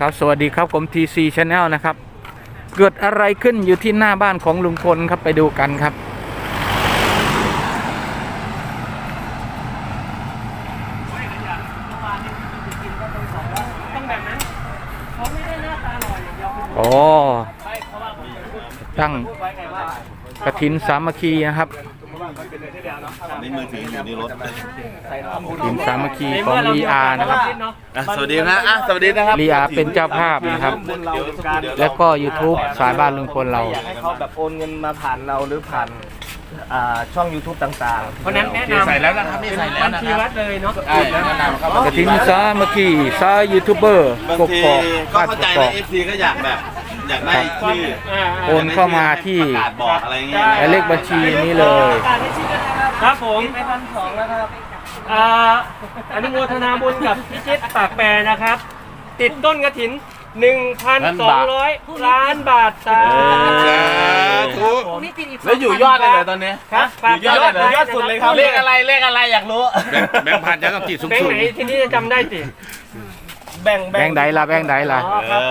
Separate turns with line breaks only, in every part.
ครับสวัสดีครับผม TC Channel นะครับเกิดอะไรขึ้นอยู่ที่หน้าบ้านของลุงพลครับไปดูกันครับโอ้ตั้งกฐินสามัคคีนะครับ
ในมือถืออยู่ในรถ
กฐินสามัคคีของลีอานะครับ
สวัสดีนะสวัสดีนะครับ
ลีอาเป็นเจ้าภาพนะครับแล้วก็ YouTube สายบ้านลุงพลเรา
อยากให้เขาแบบโอนเงินมาผ่านเราหรือผ่านช่อง YouTube ต่างๆ
เพราะนั้นแนะนำ
ใส่แล้วนะครับนี่ใส่แล้วนะ
ชีวัดเลยเนาะ
แนะนำครับ
กฐินสามัคคีสายยูทูบเบอร์
บางทีก็เข้าใจนะ FC ก็อยากได้ชื่อ
โอนเข้ามาที่
บอกอะไรเงี้ย
เลขบัญชีนี้เลย
ครับผม
ไป1,200แล้วครับ
อนุโมทนาบุญกับพิชิตปากแปรนะครับติดต้นกฐิน 1,200 ล้านบาทสาธุ
แล้วอยู่ยอดเลยเหรอตอนนี้
ครับ
ยอดสุดเลยครับ
เลขอะไรอยากรู้แบงค์พันจะต้องติดสูงๆ
แบงค์ไหนที่นี่จะจำได้ติ
แบ่ง
ใดล่ะแบ่งใดล่ะ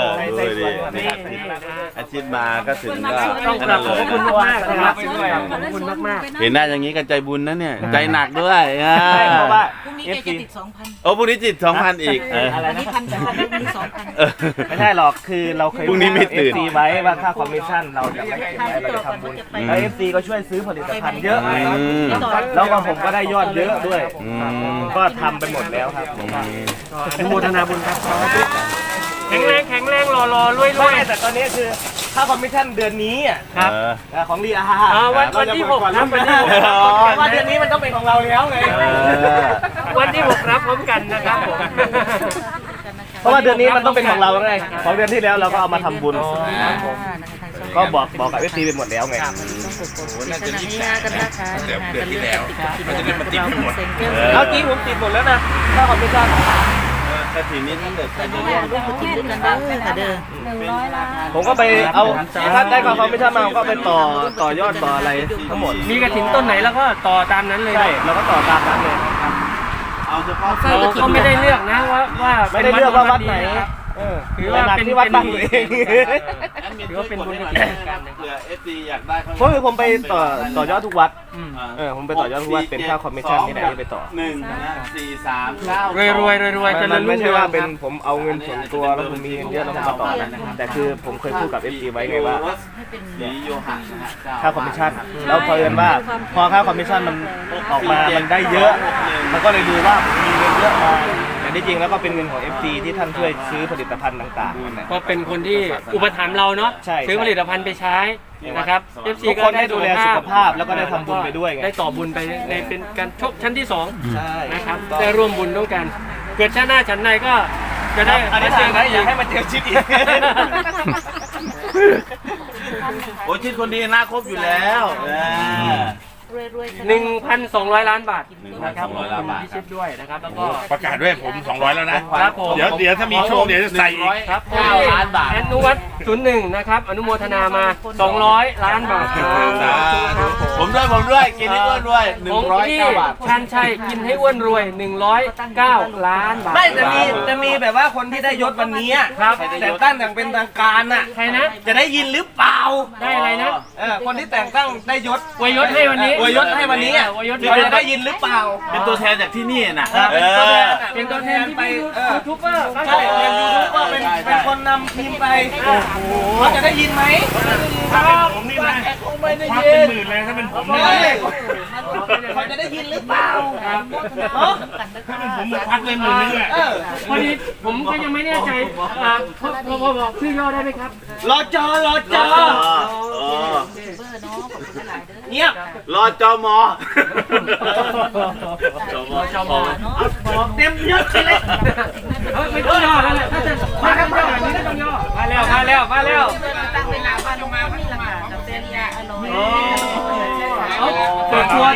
อาชีพมาก็ถึงก็
ต้องขอบคุณมากนะครับขอบคุณมาก
เห็นหน้าอย่างนี้กันใจบุญนะเนี่ยใจหนักด้วย
เพราะว่า
พรุ่งนี้จะติด 2,000
โอ้พรุ่งนี้จิต 2,000 อีก
อะไรนะ
1,000แต่พรุ่งนี้ 2,000
ไม่ใช่หรอกคือเราเคย
พรุ่งนี้ไม่ตื่น
FC ไว้ว่าค่าคอมมิชชั่นเราจะไม่เก็บไว้เราจะทำบุญแล้ว FC ก็ช่วยซื้อผลิตภัณฑ์เยอะแล้วก็ผมก็ได้ยอดเยอะด้วยก็ทำไปหมดแล้วครับ
อนุโมทนาบุญครับแข็งแรงรอรวย
แต่ตอนนี้คือค่าคอมมิชชั่นเดือนนี้
ครับ
ของลีอา
วันที่6ครับวันที่6
ว่าเดือนนี้มันต้องเป็นของเราแล้วไง
วันที่6รับพร้อมกันนะครับผม
เพราะว่าเดือนนี้มันต้องเป็นของเราไงของเดือนที่แล้วเราก็เอามาทำบุญก็บอกกับเอฟซีไปหมดแล้วไง
น่าจะรีบจ่ายกันนะคะเดือนที่แล้ว
มันจะได้มาติดไปหมด
เอาจริงผมติดหมดแล้วนะค่าคอมมิชชั่น
แต่ทีนี้ถ้าเกิดใครจะร่วม
กินด้วยกันเด้อค่ะเด้อ100 ล้าน
ผมก็ไปเอาถ้าได้ค่าคอมมิชชั่นมาก็ไปต่อยอดต่ออะไรทั้งหมด
มีกฐินต้นไหนแล้วก็ต่อตามนั้นเลย
ใช่เราก็ต่อตามนั้นเลย
เอาเฉพาะ
เราก็ไม่ได้เลือกนะว่า
ไม่ได้เลือกว่าวัดไหน
ถือว่าเป็น
ที่วัดบ้านตัวเอง
ถือว่าเป็นบุญกฐินกัน
เผื่อ FC อยากได้
เพราะคือผมไปต่อยอดทุกวัดผมไปต่อยอดทุกวัดเป็นค่าคอมมิชชั่นที่ไหนไปต่อ
1 4 3 9
รวยจะ
มันไม่ใช่ว่าเป็นผมเอาเงินส่วนตัวแล้วผมมีเงินเยอะแล้วผมมาต่อนะแต่คือผมเคยพูดกับ FC ไว้ไงว่าค่าคอมมิชชั่นแล้วพอเอิญว่าพอค่าคอมมิชชั่นมันออกมามันได้เยอะมันก็เลยดูว่ามีเงินเยอะมาแต่ที่จริงแล้วก็เป็นเงินของ FC ที่ท่านช่วยซื้อผลิตภัณฑ์ต่างๆ
ก็เป็นคนที่อุปถัมภ์เราเนาะซื้อผลิตภัณฑ์ไปใช้นะครับ FC ก็ได้
ดูแลสุขภาพแล้วก็ได้ทำบุญไปด้วย
ได้ต่อบุญไปในเป็นการชกชั้นที่2นะครับได้ร่วมบุญด้วยกันเกิดชาติหน้าชั้นในก็จะได้
อันนี้เจอกันอยากให้มาเจอชิดอีก
โอ้ชิดคนดีน่าครบอยู่แล้ว
1,200 ล้านบาทนะครับพิชิตด้วยนะครับแล้วก็
ประกาศด้วยผม200แล้วนะครับ
ผม
เดี๋ยวถ้ามีโชคเดี๋ยวจะใส่อีก
ครับ9 ล้านบาทอนุวัฒน์01นะครับอนุโมทนามา200 ล้านบาท
ผมด้วยกินให้อ้วนรวย109 บาท
ชันชัยกินให้อ้วนรวย109 ล้านบาท
ไม่จะมีแบบว่าคนที่ได้ยศวันนี้
ครับ
แต่งตั้งอย่างเป็นทางการน่ะ
ใครนะ
จะได้ยินหรือเปล่า
ได้อะไรนะ
คนที่แต่งตั้งได้ยศ
อวยยศให้วันนี้
อวยยศให้วันนี้จะได้ยินหรือเปล่า
เป็นตัวแทนจากที่นี่นะ
เป็นตัวแทนไปยูทูบเบอร์
ใช่เป็นยูทูบเบอร์เป็นคนนำทีมไปโอ้โหเขาจะได้ยินไหม
ถ้าเป็นผมนี่นะคงไม่ได้ยิน10,000เลยถ้าเป็นผม
เขาจะได้ยินหรือเปล่า
ถ้าเป็นผมพักเลย10,000เลย
พอดีผมก็ยังไม่แน่ใจพอบอกชื่อย่อได้ไหมครับ
รอจอเงียบ
รอจอมอ
เต็มยศเลย
ไม่ต้องย่อแล้วแหละถ้าจะมาย่อแบบนี้ก็ต้องย่อมาแล้ว
ตั้งเวลาบ้านลงมานี่แหละค่ะกับเซนียอร่อย
เปิดตัว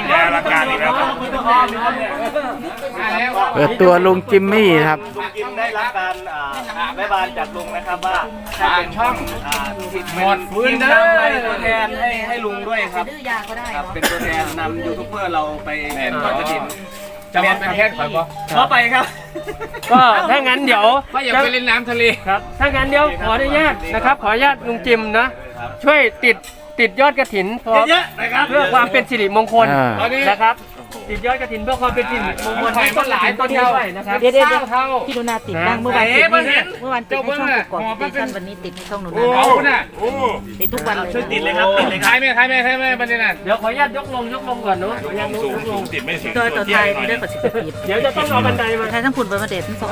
เปิดตัวลุงจิมมี่ครับ
ลุงจิมได้รับการแม่บ้านจากลุงนะครับว่าถ้าเป็นช่องหมดพื้นนำไปตัวแทนให้ลุงด้วยครับ
ดื้อยาก็ได้
เป็นตัวแทนนำยูทูบเบอร์เราไปทอดกฐิน
จะมาเป็นแพทย์ข่อยบ่
ขอไปครับ
ก็ถ้างั้นเดี๋ยว
ว่าอยากไปเล่นน้ำทะเล
ครับถ้างั้นเดี๋ยวขออนุญาตนะครับขออนุญาตลุงจิมนะช่วยติดยอดกฐินพอ
เยอะๆนะครับ
เพื่อความเป็นสิริมงคล
อ่า
นะครับ ติดยอดกฐินเพื่อความเป็นสิริมงคลให้ต้นหลายต้นเดียวนะครับ
เดี๋ยว
พี่หนูนาติดบ้างเมื่อวานติดให้เมื่อวานติดให้ช่องกอกติดกันวันนี้ติดให้ช่องหนูนา
เอาน่ะ
ติดทุกวันเลย
ช่วยติดเลยครับติดเลยค
ใคร
รับ
ไม่บันนี้น่ะ
เดี๋ยวขออนุญาตยกลงก่อนเนาะขออนุญาตยกลง
ติดไม่ถึง
ตัวไทยเรื่องกับสิบปี
เดี๋ยวจะต้องเอาบันไดมา
ไทยทั้งผุนประเดชทั้งสอง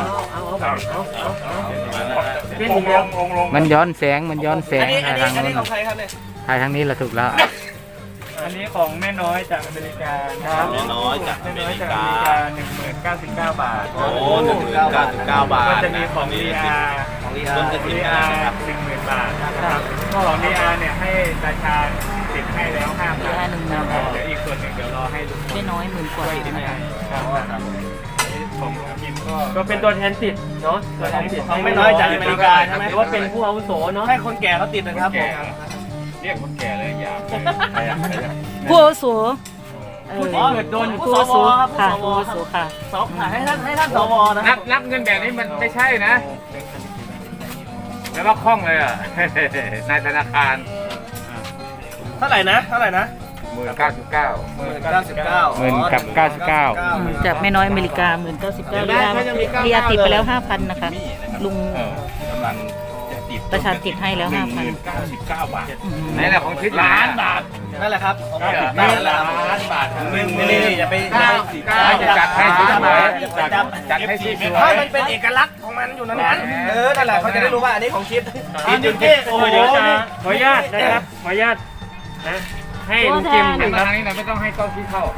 เป็นอย่างเดียว
มันย้อนแสงมันย้อนแสง
อัน
ถ่ายทาง
นี้
นู้น
ของใครครับเนี่ย
ถ่ายทางนี้ละถูกแล้ว
อันนี้ของแม่น้อยจากอเมริกาครับ
แม่น้อยจากอเมริกา
1099 บาท
โอ้1,099 บาท
ก็จะมีของ VR
ของลี
ต้
อาน
กระถิ่น
VR
นะครับ
10,000 บาทนะครับของ VR เนี่ยให้ราชาติดให้แล้ว 5,000
5,000
เดี๋ยวอีกส่วนหนึ่งเดี๋ยวรอให้ลุง
ไม่น้อยหมื่นกว่าติดนะคะ
ของกิมก็เป็นตัวแทนติดเนาะตัวแทนติด
ของไม่น้อยจากอเมริกาใช่ไหม
หรือว่าเป็นผู้อาวุโสเนาะ
ให้คนแก่เขาติดนะครับผม
เรียกคนแก่เลยอย่า
ผู้อาวุโส
ผู้ที่เกิดโดน
ผู้อาวุโสค่ะผู้อาวุโสค่ะ
สองให้ท่านสวนะ
นับเงินแบบนี้มันไม่ใช่นะ แล้วก็คล่องเลยอ่ะ นายธนาคาร
เท่าไหร่นะ
1,099
1,099
หมื่นกับ99
จากแม่น้อยอเมริกา19,000เรียติดไปแล้ว 5,000 นะคะ ลุง
กำลังจะติด
ประชาติดให้แล้ว 5,000
99 บาท
นี่แหละของทิศล้านบาท
นั่นแหละครับของ
ล้า
นั่นแหละ
นบาท
นี่อย่าไป
จัดให้สวย
จัดให้สวยให้มันเป็นเอกลักษณ์ของมันอยู่นั้นนั่นแหละเขาจะได้รู้ว่าอันนี้ของชิดชิดอยู่ที่โอ้โห
เดี๋ยวจะขออนุญาตนะครับขออนุญาตนะให้ลุงจิม
นี่
นะค
มา
รับ
ทางนี้นะไม่ต้องให้ต้องคิดเข้า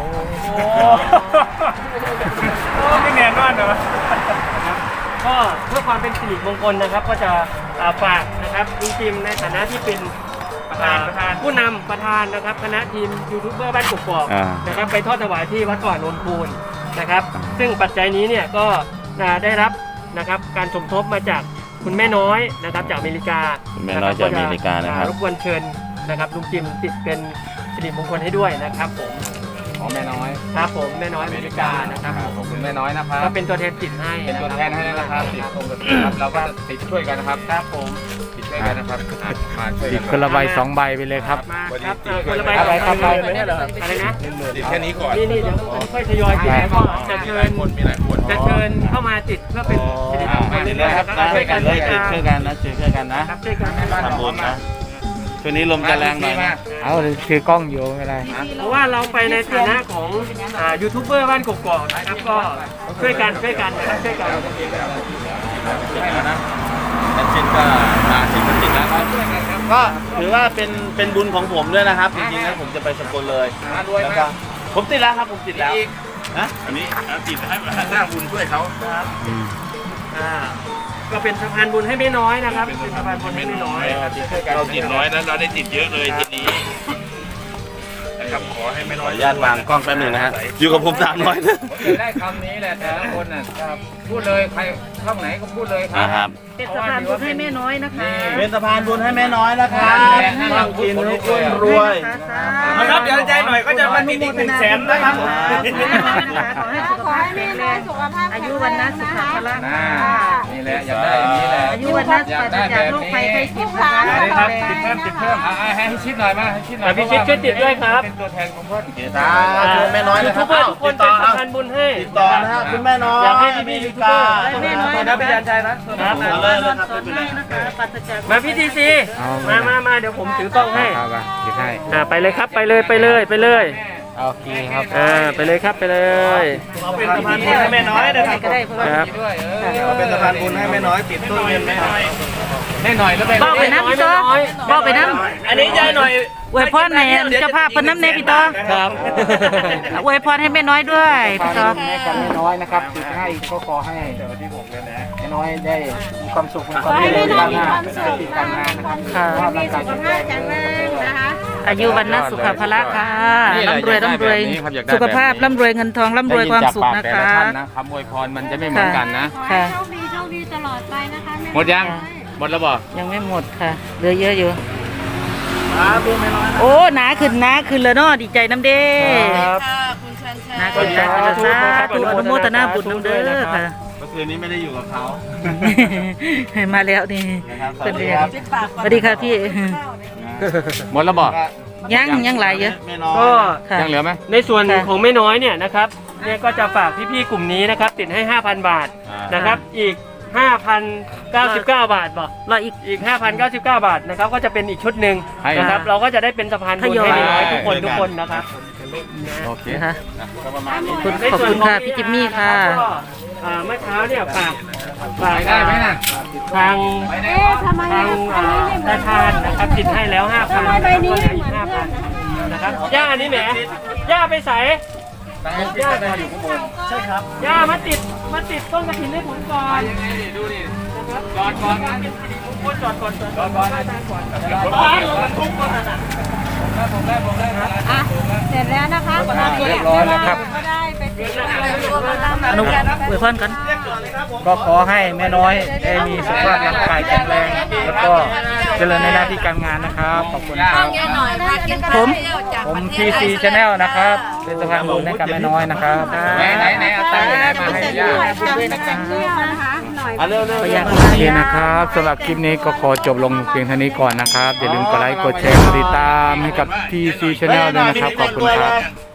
ไม่แน่นอนเหรอก็เพื่อความเป็นสิริมงคลนะครับ ก็จะฝากนะครับลุงจิมในฐานะที่เป็นประธานผู้นำประธานนะครับคณะทีมยูทูบเบอร์บ้านกกอก
อ่า
นะครับไปทอดถวายที่วัดก่อนโนนคูนนะครับ ซึ่งปัจจัยนี้เนี่ยก็ได้รับนะครับการสมทบมาจากคุณแม่น้อยนะครับจากอเมริกา
คุณแม่น้อยจากอเมริกานะครับ
รบกวนเชิญนะครับลุงจิมติดเป็นสิริมงคลให้ด้วยนะครับผม
ของแม่น้อย
ครับผมแม่น้อยอเมริกานะครับ
ขอบคุณแม่น้อยนะครับ
ก็เป็นตัวแทนติดให้
เป็นตัวแทนให้นะครับติดตรงกับครับเราก็จะติดช่วยกันนะครับ
ครับผม
ติดช่วยกันนะครับมาช่วย
ติ
กั
ด
น
คนละใบ2 ใบไปเลยครับ
มาครับคนละใบ
อะไรครับ
อะไรนะ
ติดแค่นี้ก่อน
นี่เดี๋ยวค่อยทยอยติดแล้วก็จะเชิญ
มีหลายคน
จะเชิญเข้ามาติดเพื่อเป็นสิริมงคล
ติดเลยครับ
ช่วยกัน
เลยติดช่วยกันนะช่วยกันนะครับ
ช่วยกัน
ทำบุญนะช่วงนี้ลมจะแรงหน่อยนะ
เอาถือกล้องอยู่ไม่เป็นไร
เพราะว่าเราไปในฐานะของยูทูบเบอร์บ้านกกอกนะครับก็ช่วยกันนะครับช่วยกัน
แอดชินก็มาถึงติดแล้วครับก็ถือว่าเป็นบุญของผมด้วยนะครับจริงๆแล้วผมจะไปสกลเลยแล้วก็ผมติดแล้วครับผมติดแล้วนะ
อันนี้ติดให้สร้างบุญช่วยเขา
ก็เป็นสะพานบุญให้ไม่น้อยนะครับเป็นสะพานบุญให้ไม่น้อย
เราติดน้อยนะเราได้ติดเยอะเลยทีนี้นะครับขอให้ไม่
ข
น้
อ
อย
อนุญาตวางกล้องแป๊บหนึงนะฮะอยู่กับผม300นะ
จะได้คำนี้แหละแต่ละคนน่ะพูดเลยใครช่องไหนก็พูดเลยครั
นะครับ
เป็นสะพานบุญให้แม่น้อยนะคะ
เป็นสะพานบุญให้แม่น้อยนะครับต้องกินทุกคนรวย
นะครับเดี๋ยวใจหน่อยก็จะมาติดอีก100,000นะครับ
ขอให้สุขภาพแข็งแรงอายุวันนะสุขภาพละ
น่านี่แหละอยากได้อย่างนี้แหละ
อายุวันนะปราศจากโรคภัยไข้เจ็บนะคะ
ครับติดเพิ่มให้ชิดหน่อยมาให้ชิดหน่อย
พี่ชิดช่วยติดด้วยครับ
เป็นตัวแทนของเพื่อน
สาธุแม่น้อย
ยู
นะค
ทู
รั
บบ เบอร์ทุกคนเป็นสะพานบุญให้
ติดต่อนะฮะคุณแม่น้อย
อยากให้พี่ยูทูบเบอร์
แม่น้อย
นะพี่ยันชัยนะ
เอาเลยนะครับ
สอนให้นะคะปราศจาก
มาพี่ทีซีมาเดี๋ยวผมถือกล้องให้
เอาไปหยิบให้
ไปเลยครับไปเลย
โอเคครับ
ไปเลยครับไปเลย
เราเป็นสะพานบุญให้แม่น้อยนะครับ
ก็ได้เพราะว่า
ครับ
ด้วย
เราเป็นสะพานบุญให้แม่น้อยติดต้นเงินแม่น้อย
แน่หน่อยแล้วไป
บอกไปน้ำพี่ต่อบอกไปน้
อันนี้ใจหน่อย
ำอวยพรให้เจ้าภาพเพิ่นน้ำเนพี่ต่อ
ครับ
อวยพรให้แม่น้อยด้วยพี่ต่อ
แม่กันน้อยนะครับติดให้ก็ขอให้แม่น้อยได้มีความสุขมีความเจริญก้าวหน้าติดการงานนะครับ
ค่ะ
มีสุขภาพแข็งแรงนะคะ
อายุวันนะสุขภาระค่ะร่ำรวยสุขภาพร่ำรวยเงินทองร่ำรวยความสุขนะคะ
คำอวยพรมันจะไม่เหมือนกันนะ
ค่ะ
โชคดีตลอดไปนะคะแม่
หมดยังหมดแล้วบ่
ยังไม่หมดค่ะเหลือเยอะอยู่โอ้หนาขึ้นแล้วเนาะดีใจน้ำเด้
ค่ะคุณชันชั
นะกินใจเป็นสาธุอนุโมทนาบุญนำเด้อค่ะ
เมื่อคืนนี้ไม่ได้อยู่กับเขา
มาแล้วนี่
นะครับ
เป็นเรียนสวัสดีค่ะพี่
หมดแล้วบอก
ยังหลายเยอะ
ไม่น้อย
ก็
ค่ะ
ยังเหลือไหม
ในส่วน
ค่ะ
ของแม่น้อยเนี่ยนะครับเนี่ยก็จะฝากพี่ๆกลุ่มนี้นะครับติดให้ 5,000 บาทนะครับอีก 5,099 บาทบอก
รออีก
5,099 บาทนะครับก็จะเป็นอีกชุดหนึ่ง
ให้
นะครับเราก็จะได้เป็นสะพานบุญ
ทยอย
ให้แม่น้อยทุกคนนะครับ
โอเค
นะคะ
ก็ประมาณนี้
ขอบคุณค่ะพี่จิมมี่ค่ะ
ก็เมื่อเช้าเนี่ยฝากทางธนาคารนะครับติดให้แล้ว 5,000แล้วก็เหลืออีก 5,000นะครับย่านี่แหมย่าไปใส่ย่าอยู่ข้างบนใช่ครับย่ามาติดต้นกระถินให้ผมก่อนยังไงดิดูดินะครับจอดก่อนนะจอดก่อนทุกคนนะผมได้
เสร็จแล้วนะคะ
เรียบร้อยแล้วครับ
ก็ได้ไปติด
อนุอวยพรกัน
ก็ขอให้แม่น้อยได้มีสุขภาพร่างกายแข็งแรง แล้วก็เจริญในหน้าที่การงานนะครับ ขอบคุณครับ ผม TC Channel นะครับ เป็นสะพานบุญให้กับแม่น้อยนะครับ
ไหนเอาตังค์ไหนมาให้ย่า
เร็ว
ขออยาก
โอเคนะครับสำหรับคลิปนี้ก็ขอจบลงเพียงเท่านี้ก่อนนะครับ อย่าลืมกดไลค์ กดแชร์ กดติดตามให้กับ TC Channel ด้วยนะครับ ขอบคุณครับ